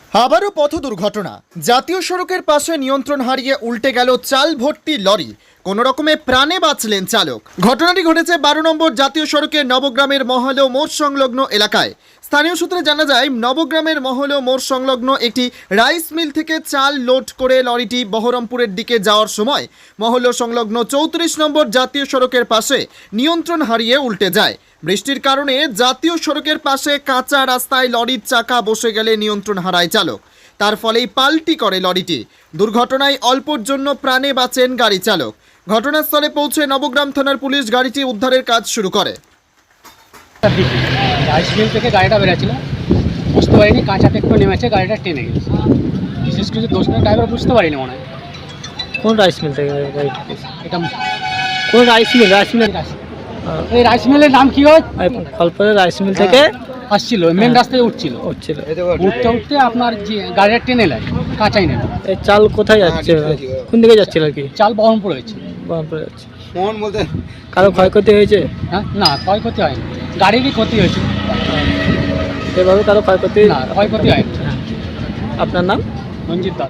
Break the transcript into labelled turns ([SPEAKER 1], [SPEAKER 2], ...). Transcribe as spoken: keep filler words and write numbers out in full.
[SPEAKER 1] আবারও পথ দুর্ঘটনা। জাতীয় সড়কের পাশে নিয়ন্ত্রণ হারিয়ে উল্টে গেল চাল ভর্তি লরি। কোনো রকমে প্রাণে বাঁচলেন চালক। ঘটনাটি ঘটেছে বারো নম্বর জাতীয় সড়কের নবগ্রামের মহলো মোড় সংলগ্ন এলাকায়। স্থানীয় সূত্রে জানা যায়, নবগ্রামের মহলো মোড় সংলগ্ন একটি রাইস মিল থেকে চাল লোড করে লরিটি বহরমপুরের দিকে যাওয়ার সময় মহলো সংলগ্ন চৌত্রিশ নম্বর জাতীয় সড়কের পাশে নিয়ন্ত্রণ হারিয়ে উল্টে যায়। বৃষ্টির কারণে জাতীয় সড়কের পাশে কাঁচা রাস্তায় লরির চাকা বসে গেলে নিয়ন্ত্রণ হারায় চালক। তার ফলেই পাল্টি করে লরিটি। দুর্ঘটনায় অল্পর জন্য প্রাণে বাঁচেন গাড়ি চালক। ঘটনাস্থলে পৌঁছে নবগ্রাম থানার পুলিশ গাড়িটি উদ্ধারের কাজ শুরু করে।
[SPEAKER 2] রাইস মিল থেকে গাড়িটা বেরোচ্ছিল, বুঝতে পারিনি কাঁচাতে একটু নেমেছে, গাড়িটা টেনে গেছে। বিশেষ কিছু দোষ নেই, ড্রাইভার বুঝতে পারিনি মনে হয়।
[SPEAKER 3] কোন রাইস মিল থেকে গাড়িটা?
[SPEAKER 2] এটা
[SPEAKER 3] কোন রাইস মিল? রাইস মিল
[SPEAKER 2] এই রাইস মিলের নাম কি হয়?
[SPEAKER 3] ফলপুরের রাইস মিল থেকে
[SPEAKER 2] আসছিল, মেন রাস্তায় উঠছিল
[SPEAKER 3] উঠছিল
[SPEAKER 2] উঠতে উঠতে আপনার যে গাড়িটা টেনে নেয়, কাঁচাই নেয়।
[SPEAKER 3] এই চাল কোথায় যাচ্ছে, কোন দিকে যাচ্ছিল আর কি?
[SPEAKER 2] চাল বহরমপুর হয়েছে।
[SPEAKER 3] বহরমপুরে যাচ্ছে। কারো ক্ষয়ক্ষতি হয়েছে?
[SPEAKER 2] হ্যাঁ, না ক্ষয়ক্ষতি হয়নি, গাড়িরই ক্ষতি হয়েছে।
[SPEAKER 3] সেভাবে কারো ক্ষয়ক্ষতি
[SPEAKER 2] না, ক্ষয়ক্ষতি হয়নি।
[SPEAKER 3] আপনার নাম?
[SPEAKER 2] রঞ্জিত দাস।